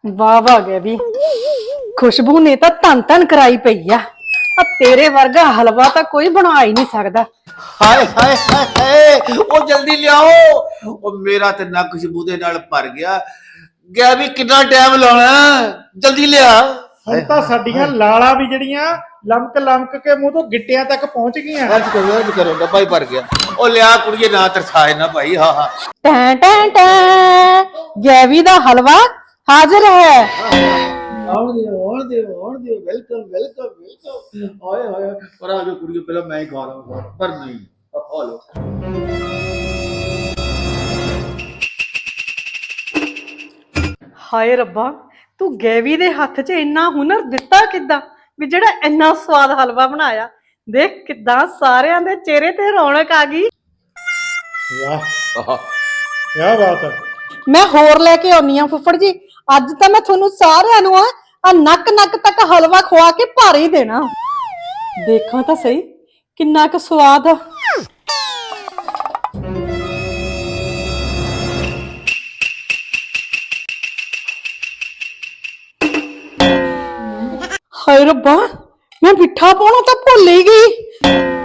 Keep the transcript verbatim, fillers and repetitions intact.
ਵਾਹ ਵਾਹ ਗਿਆ ਵੀ ਖੁਸ਼ਬੂ ਨੇ ਤਾਂ ਧੰਨ ਧੰਨ ਕਰਾਈ ਪਈ ਆ ਆ ਤੇਰੇ ਵਰਗਾ ਹਲਵਾ ਤਾਂ ਕੋਈ ਬਣਾ ਹੀ ਨਹੀਂ ਸਕਦਾ। ਹਾਏ ਹਾਏ ਹਾਏ ਹਾਏ ਉਹ ਜਲਦੀ ਲਿਆਓ। ਉਹ ਮੇਰਾ ਤੇ ਨੱਕ ਖੁਸ਼ਬੂ ਦੇ ਨਾਲ ਭਰ ਗਿਆ ਗਿਆ ਵੀ ਕਿੰਨਾ ਟਾਈਮ ਲਾਉਣਾ ਜਲਦੀ ਲਿਆ। ਹੁਣ ਤਾਂ ਸਾਡੀਆਂ ਲਾਲਾਂ ਵੀ ਜਿਹੜੀਆਂ ਲਮਕ ਲਮਕ ਕੇ ਮੂੰਹ ਤੋਂ ਗਿੱਟਿਆਂ ਤੱਕ ਪਹੁੰਚ ਗਈਆਂ। ਅੱਜ ਕਰੋ ਅੱਜ ਕਰੋ ਡੱਬਾ ਹੀ ਭਰ ਗਿਆ। ਉਹ ਲਿਆ ਕੁੜੀਏ ਨਾ ਤਰਸਾਏ ਨਾ ਭਾਈ। ਹਾਂ ਹਾਂ ਟੈਂ ਟੈਂ ਟੈਂ ਗੈਵੀ ਦਾ ਹਲਵਾ ਹਾਜ਼ਰ ਹੈ। ਆਉਣ ਦਿਓ ਆਉਣ ਦਿਓ ਆਉਣ ਦਿਓ ਵੈਲਕਮ ਵੈਲਕਮ ਵੈਲਕਮ। ਆਏ ਹਾਏ ਪਰ ਆ ਜੋ ਕੁੜੀਏ ਪਹਿਲਾਂ ਮੈਂ ਹੀ ਖਾ ਲਵਾਂ ਪਰ ਨਹੀਂ ਆ ਲੋ। ਹਾਏ ਰੱਬਾ ਤੂੰ ਗੈਵੀ ਦੇ ਹੱਥ 'ਚ ਇੰਨਾ ਹੁਨਰ ਦਿੱਤਾ ਕਿੱਦਾਂ ਵੀ ਜਿਹੜਾ ਇੰਨਾ ਸਵਾਦ ਹਲਵਾ ਬਣਾਇਆ। ਦੇਖ ਕਿੱਦਾਂ ਸਾਰਿਆਂ ਦੇ ਚਿਹਰੇ ਤੇ ਰੌਣਕ ਆ ਗਈ। ਵਾਹ ਕੀ ਬਾਤ ਹੈ। ਮੈਂ ਹੋਰ ਲੈ ਕੇ ਆਉਣੀ ਆ ਫੁੱਫੜ ਜੀ। ਅੱਜ ਤਾਂ ਮੈਂ ਤੁਹਾਨੂੰ ਸਾਰਿਆਂ ਨੂੰ ਆ ਆ ਨੱਕ ਨੱਕ ਤੱਕ ਹਲਵਾ ਖਵਾ ਕੇ ਭਰ ਹੀ ਦੇਣਾ। ਦੇਖਾਂ ਤਾਂ ਸਹੀ ਕਿੰਨਾ ਕੁ ਸਵਾਦ ਆ। ਹਾਏ ਰੱਬਾ ਮੈਂ ਮਿੱਠਾ ਪਾਉਣਾ ਤਾਂ ਭੁੱਲ ਹੀ ਗਈ।